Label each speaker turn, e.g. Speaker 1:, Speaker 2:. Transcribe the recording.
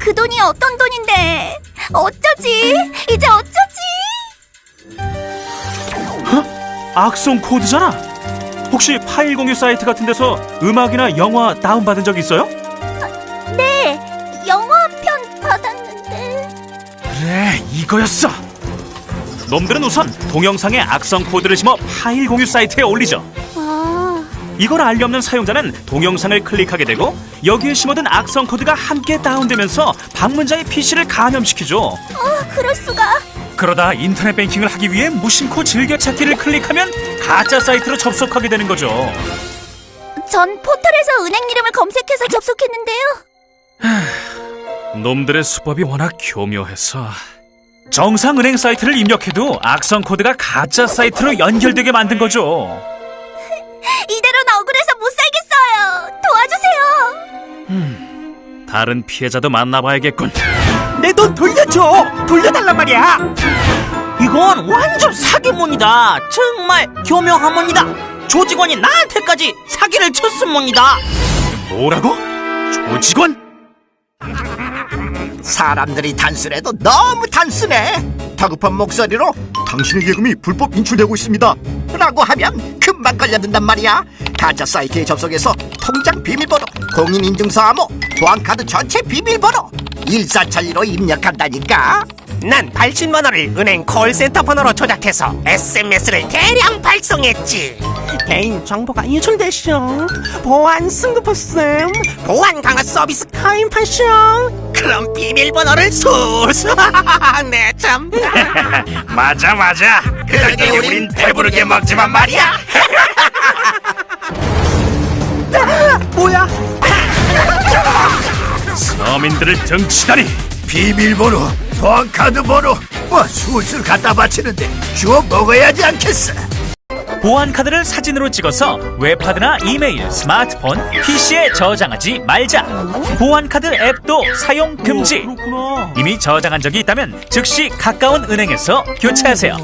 Speaker 1: 그 돈이 어떤 돈인데? 어쩌지? 이제 어쩌지?
Speaker 2: 악성 코드잖아. 혹시 파일 공유 사이트 같은 데서 음악이나 영화 다운받은 적 있어요?
Speaker 1: 네, 영화편 받았는데.
Speaker 2: 그래, 이거였어. 놈들은 우선 동영상에 악성 코드를 심어 파일 공유 사이트에 올리죠. 이걸 알리 없는 사용자는 동영상을 클릭하게 되고 여기에 심어둔 악성 코드가 함께 다운되면서 방문자의 PC를 감염시키죠.
Speaker 1: 그럴 수가.
Speaker 2: 그러다 인터넷 뱅킹을 하기 위해 무심코 즐겨찾기를 클릭하면 가짜 사이트로 접속하게 되는 거죠.
Speaker 1: 전 포털에서 은행 이름을 검색해서 접속했는데요.
Speaker 2: 놈들의 수법이 워낙 교묘해서 정상 은행 사이트를 입력해도 악성 코드가 가짜 사이트로 연결되게 만든 거죠.
Speaker 1: 이대로는 억울해서 못 살겠어요. 도와주세요.
Speaker 2: 다른 피해자도 만나봐야겠군.
Speaker 3: 내 돈 돌려줘! 돌려달란 말이야!
Speaker 4: 이건 완전 사기문이다. 정말 교묘하문이다. 조직원이 나한테까지 사기를 쳤습니다.
Speaker 2: 뭐라고? 조직원?
Speaker 3: 사람들이 단순해도 너무 단순해. 다급한 목소리로 당신의 예금이 불법 인출되고 있습니다 라고 하면 금방 걸려든단 말이야. 가짜 사이트에 접속해서 통장 비밀번호, 공인인증서암호, 보안카드 전체 비밀번호 1412로 입력한다니까.
Speaker 5: 난 80만 원을 은행 콜센터 번호로 조작해서 SMS를 대량 발송했지. 개인 정보가 유출됐쇼. 보안 승급했음. 보안 강화 서비스 가입하쇼. 그럼 비밀번호를 술술. 네 참.
Speaker 2: 맞아. 그러게 우린 배부르게 먹지만 말이야.
Speaker 5: 뭐야?
Speaker 2: 서민들을 등치다니.
Speaker 3: 비밀번호, 보안카드 번호 술술 갖다 바치는데 주워 먹어야지 않겠어.
Speaker 2: 보안카드를 사진으로 찍어서 웹하드나 이메일, 스마트폰, PC에 저장하지 말자. 보안카드 앱도 사용 금지. 이미 저장한 적이 있다면 즉시 가까운 은행에서 교체하세요.